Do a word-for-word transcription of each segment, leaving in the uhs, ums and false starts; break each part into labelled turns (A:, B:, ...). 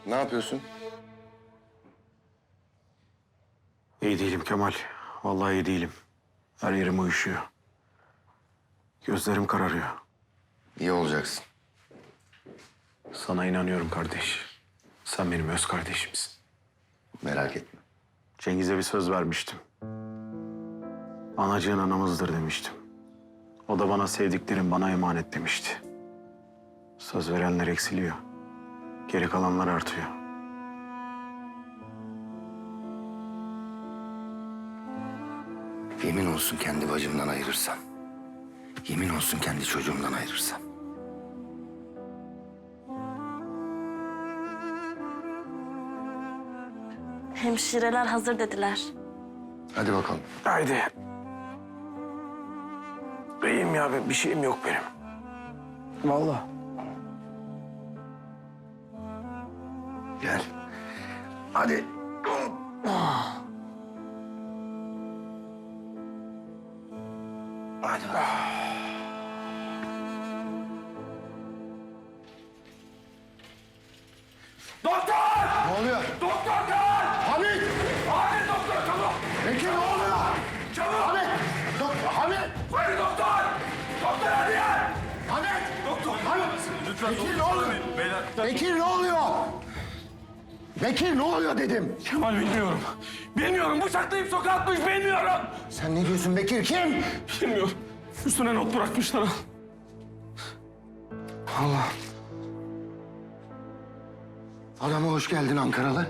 A: Ne yapıyorsun?
B: İyi değilim Kemal. Vallahi iyi değilim. Her yerim uyuşuyor. Gözlerim kararıyor.
A: İyi olacaksın.
B: Sana inanıyorum kardeş. Sen benim öz kardeşimsin.
A: Merak etme.
B: Cengiz'e bir söz vermiştim. Anacığın anamızdır demiştim. O da bana sevdiklerim bana emanet demişti. Söz verenler eksiliyor. Geri kalanlar artıyor.
A: Yemin olsun kendi bacımdan ayırırsam. Yemin olsun kendi çocuğumdan ayırırsam.
C: Hemşireler hazır dediler.
A: Hadi bakalım.
B: Haydi. İyiyim ya, bir şeyim yok benim. Vallahi.
A: Gel. Hadi. Hadi.
D: Doktor!
A: Ne oluyor?
D: Doktor gel!
A: Hamit!
D: Hamit doktor çabuk!
A: Bekir ne oluyor?
D: Çabuk!
A: Hamit! Dok Hamit!
D: Hadi doktor! Doktor hadi gel!
A: Hamit!
D: Doktor!
A: Hamit!
D: Lütfen
A: Bekir ne
D: doktor
A: oluyor?
D: söyleyin, beyler.
A: Bekir ne oluyor? Bekir ne oluyor dedim.
D: Kemal bilmiyorum. Bilmiyorum bıçaklayıp sokağa atmış bilmiyorum.
A: Sen ne diyorsun Bekir? Kim?
D: Bilmiyorum. Üstüne not bırakmışlar.
A: Allah. Adama hoş geldin Ankaralı.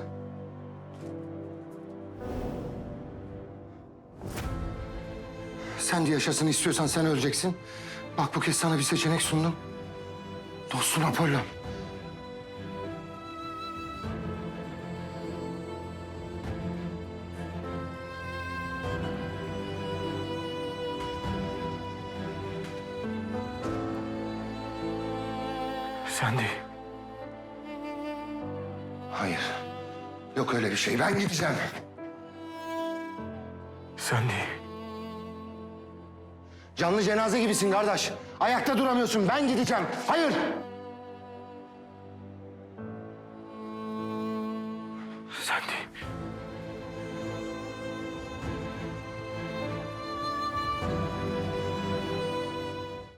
A: Sen de yaşasın istiyorsan sen öleceksin. Bak bu kez sana bir seçenek sundum. Dostun Apollon.
B: Sen değil.
A: Hayır. Yok öyle bir şey. Ben gideceğim.
B: Sen değil.
A: Canlı cenaze gibisin kardeş. Ayakta duramıyorsun. Ben gideceğim. Hayır.
B: Sen değil.